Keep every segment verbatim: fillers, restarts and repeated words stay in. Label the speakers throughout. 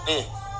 Speaker 1: นี่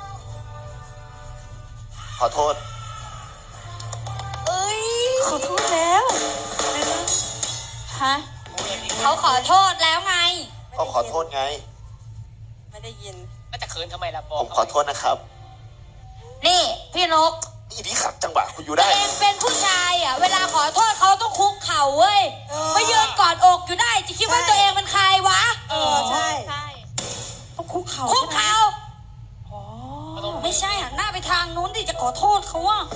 Speaker 1: ขอโทษ
Speaker 2: เอ้ย
Speaker 3: ขอโทษแล้วฮะ
Speaker 2: เขาขอโทษแล้วไง
Speaker 1: ก็ขอโทษไง
Speaker 3: ไม่ได้ยิน
Speaker 4: ก็จะเขินทำไมล่ะบอ
Speaker 1: ผ
Speaker 4: ก
Speaker 1: มขอโทษนะครับ
Speaker 2: นี่พี่นก
Speaker 1: นี่นี่ขัดจังหวะคุณอยู่
Speaker 2: ตั
Speaker 1: ได้
Speaker 2: วเองเป็นผู้ชายอ่ะเวลาขอโทษเขาต้องคุกเข่าเว้ยไม่ยืนกอดอกอยู่ได้จะคิดว่าตัวเองเป็นใครวะ
Speaker 3: เออใช่
Speaker 2: ใช่
Speaker 3: ต้องคุกเข่า
Speaker 2: คุกเข่า
Speaker 3: อ๋อ
Speaker 2: ไม่ใช่หันหน้าไปทางนู้นที่จะขอโทษเขาว่า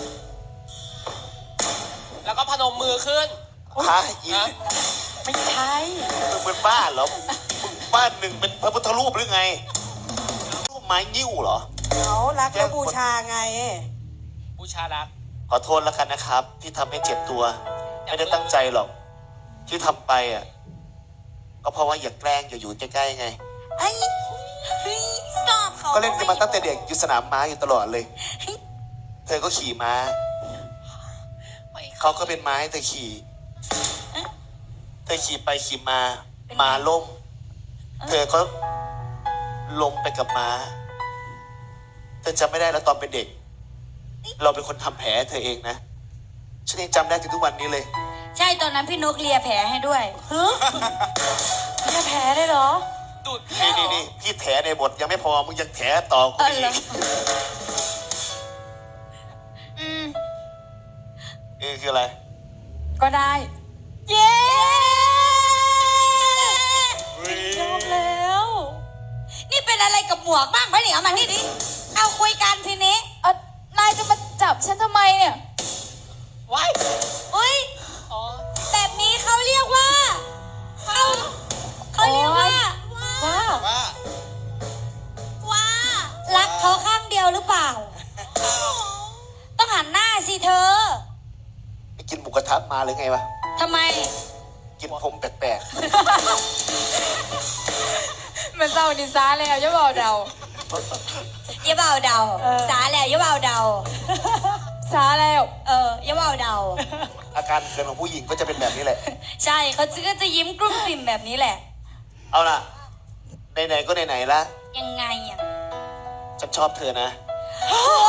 Speaker 4: แล้วก็พนมมือขึ้น
Speaker 1: ฮะอี
Speaker 3: ไม่ใช่
Speaker 1: มึงเป็นบ้าเหรอมึงบ้านหนึ่งเป็นพระพุทธรูปหรือไงรูปไม้ยิ้วเหรอ
Speaker 3: เขารักและบูชาไง
Speaker 4: บูชารัก
Speaker 1: ขอโทษแล้วกันนะครับที่ทำให้เจ็บตัวไม่ได้ตั้งใจหรอกที่ทำไปอ่ะก็เพราะว่าอยากแกล้งอย่าอยู่ใกล้ๆไง
Speaker 2: ไอ้เฮ้ยชอบเขา
Speaker 1: ก็เล่นกันมาตั้งแต่เด็กอยู่สนามม้าอยู่ตลอดเลยเธอก็ขี่ม้าเขาก็เป็นม้าให้เธอขี่เธอขี่ไปขี่มาม้าล้มเธอก็ล้มไปกับม้าเธอจำไม่ได้แล้วตอนเป็นเด็กเราเป็นคนทำแผลเธอเองนะฉันยังจำได้ถึงทุกวันนี้เลย
Speaker 2: ใช่ตอนนั้นพี่นกเลียแผลให้ด้วย
Speaker 3: ฮะเลียแผลได้เหรอ
Speaker 4: ดูด
Speaker 1: นี่นี่นี่พี่แถในบทยังไม่พอมึงยังแถต่อกูอีก
Speaker 2: อืม
Speaker 1: เออคืออะไร
Speaker 3: ก็ได้เย้ชอบแล้ว
Speaker 2: นี่เป็นอะไรกับหมวกบ้างไหมเนี่ยเอามานี่ดิเอาคุยกันทีนี้
Speaker 3: เออนายจะมาจับฉันทำไมเนี่ย
Speaker 4: ว้าย
Speaker 2: อุ้ย
Speaker 4: อ๋อ
Speaker 2: แบบนี้เขาเรียกว่าเขาเขาเรียกว่า
Speaker 3: ว่า
Speaker 1: ว่า
Speaker 2: ว่ารักเขาข้างเดียวหรือเปล่าต้องหันหน้าสิเธอ
Speaker 1: ไปกินหมูกระทะมาหรือไงวะ
Speaker 2: ทำไม
Speaker 1: กินผมแปลก
Speaker 3: ๆมันเศร้าดิซ่าแล้วอย่าบอกเดา
Speaker 2: อย่าเบาเดาสาแล้วอย่าเบาเดา
Speaker 3: สาแล้ว
Speaker 2: เอออย่าเบาเดา
Speaker 1: อาการเกินของผู้หญิงก็จะเป็นแบบนี้แหละ
Speaker 2: ใช่เขาก็จะยิ้มกลุ้มกลิ่มแบบนี้แหละ
Speaker 1: เอาล่ะไหนๆก็ไหนๆละ
Speaker 2: ยังไงอ่ะ
Speaker 1: ฉันชอบเธอนะ
Speaker 2: โอ้